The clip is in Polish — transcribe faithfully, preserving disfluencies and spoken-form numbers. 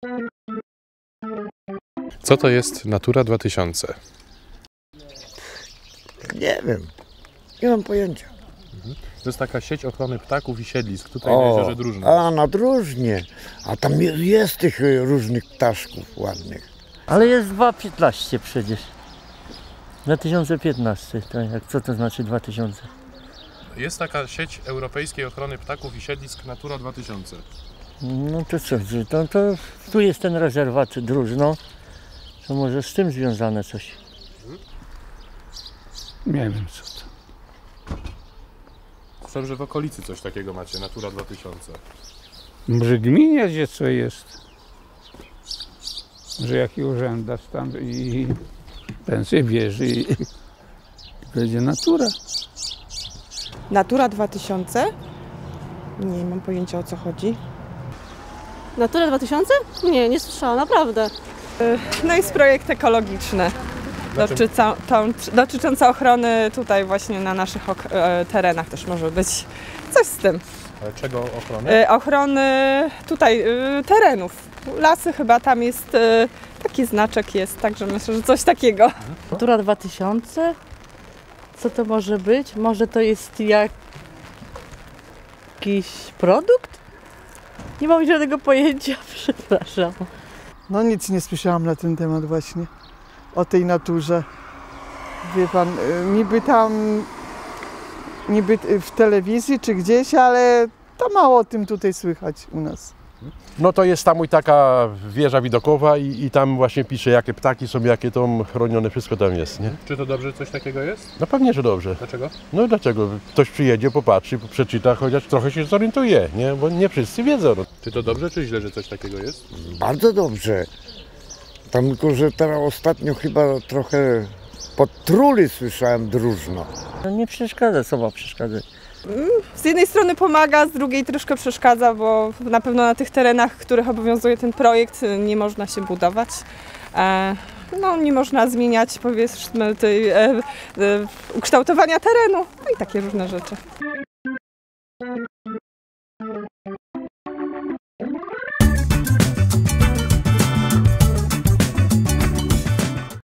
Co to jest Natura dwa tysiące? Nie wiem, nie mam pojęcia. To jest taka sieć ochrony ptaków i siedlisk tutaj na jeziorze Drużno. A na Drużnie, a tam jest, jest tych różnych ptaszków ładnych. Ale jest dwa tysiące piętnaście przecież. dwa tysiące piętnaście, tak jak co to znaczy dwa tysiące? Jest taka sieć europejskiej ochrony ptaków i siedlisk Natura dwa tysiące. No to co, to, to tu jest ten rezerwat Drużno, to może z tym związane coś. Nie wiem co to. Słyszałem, że w okolicy coś takiego macie, Natura dwa tysiące. Może gminie gdzie co jest. Że jaki urzędarz tam i pensję bierze i, i będzie natura. Natura dwa tysiące? Nie mam pojęcia, o co chodzi. Natura dwa tysiące? Nie, nie słyszałam, naprawdę. No jest projekt ekologiczny dotycząca, dotyczący ochrony tutaj właśnie na naszych ok- terenach też może być coś z tym. Ale czego ochrony? Ochrony tutaj terenów. Lasy chyba tam jest, taki znaczek jest, także myślę, że coś takiego. Natura dwa tysiące? Co to może być? Może to jest jak... jakiś produkt? Nie mam żadnego pojęcia, przepraszam. No nic nie słyszałam na ten temat właśnie, o tej naturze. Wie pan, niby tam, niby w telewizji czy gdzieś, ale to mało o tym tutaj słychać u nas. No to jest tam i taka wieża widokowa i, i tam właśnie pisze, jakie ptaki są, jakie to chronione, wszystko tam jest, nie? Czy to dobrze, że coś takiego jest? No pewnie, że dobrze. Dlaczego? No dlaczego? Ktoś przyjedzie, popatrzy, przeczyta, chociaż trochę się zorientuje, nie? Bo nie wszyscy wiedzą. No. Czy to dobrze, czy źle, że coś takiego jest? Bardzo dobrze. Tam tylko, że teraz ostatnio chyba trochę podtruli słyszałem Drużno. No nie przeszkadza, co ma przeszkadzać? Z jednej strony pomaga, z drugiej troszkę przeszkadza, bo na pewno na tych terenach, w których obowiązuje ten projekt, nie można się budować. No, nie można zmieniać, powiedzmy, tej, e, e, ukształtowania terenu, no i takie różne rzeczy.